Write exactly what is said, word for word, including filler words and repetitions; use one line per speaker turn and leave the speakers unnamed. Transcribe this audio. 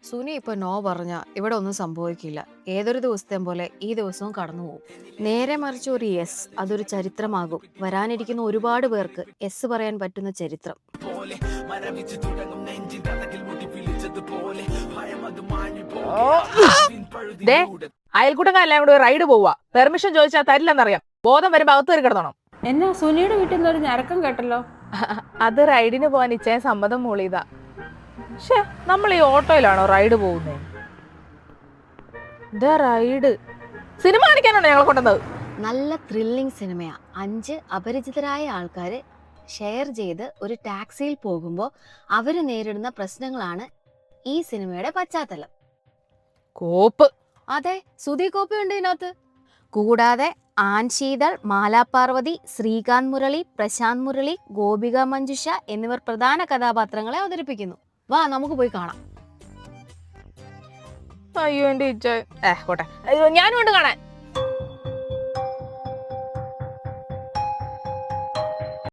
സുനി ഇപ്പൊ നോ പറഞ്ഞ ഇവിടെ ഒന്നും സംഭവിക്കില്ല. ഏതൊരു ദിവസത്തെയും പോലെ ഈ ദിവസവും കടന്നു പോകും. നേരെ മറിച്ച് ഒരു യെസ് അതൊരു ചരിത്രമാകും. വരാനിരിക്കുന്ന ഒരുപാട് പേർക്ക് യെസ് പറയാൻ പറ്റുന്ന ചരിത്രം.
ദേ അയൽക്കൂട്ടങ്ങളെല്ലാം കൂടെ റൈഡ് പോവാ. പെർമിഷൻ ചോദിച്ചാൽ തരില്ലെന്നറിയാം. ബോധം വരുമ്പോ അകത്ത് കയറി കിടന്നണം.
എന്നാ സുനിയുടെ വീട്ടിൽ നിന്ന് ഒരു ഞരക്കം കേട്ടല്ലോ.
അത് റൈഡിന് പോവാൻ ഇച്ചേ സമ്മതം മൂളിയതാ. പക്ഷേ നമ്മൾ ഈ ഓട്ടോയിലാണോ റൈഡ് പോകുന്നത്? ഇതാ റൈഡ് സിനിമ കാണിക്കാനാണോ ഞങ്ങളെ കൊണ്ടുവന്നത്?
നല്ല ത്രില്ലിംഗ് സിനിമയാ. അഞ്ച് അപരിചിതരായ ആൾക്കാര് ഷെയർ ചെയ്ത് ഒരു ടാക്സിയിൽ പോകുമ്പോൾ അവര് നേരിടുന്ന പ്രശ്നങ്ങളാണ് ഈ സിനിമയുടെ പശ്ചാത്തലം.
കോപ്പ്.
അതെ, സുധി കോപ്പയുണ്ട് ഇതിനകത്ത്. കൂടാതെ ആൻശീതൾ, മാലാപാർവതി, ശ്രീകാന്ത് മുരളി, പ്രശാന്ത് മുരളി, ഗോപിക മഞ്ജുഷ എന്നിവർ പ്രധാന കഥാപാത്രങ്ങളെ അവതരിപ്പിക്കുന്നു. വാ നമുക്ക് പോയി കാണാം.
അയ്യോ എന്റെ ഇച്ച ഏ പോട്ടെ, ഞാനും കൊണ്ട് കാണാൻ.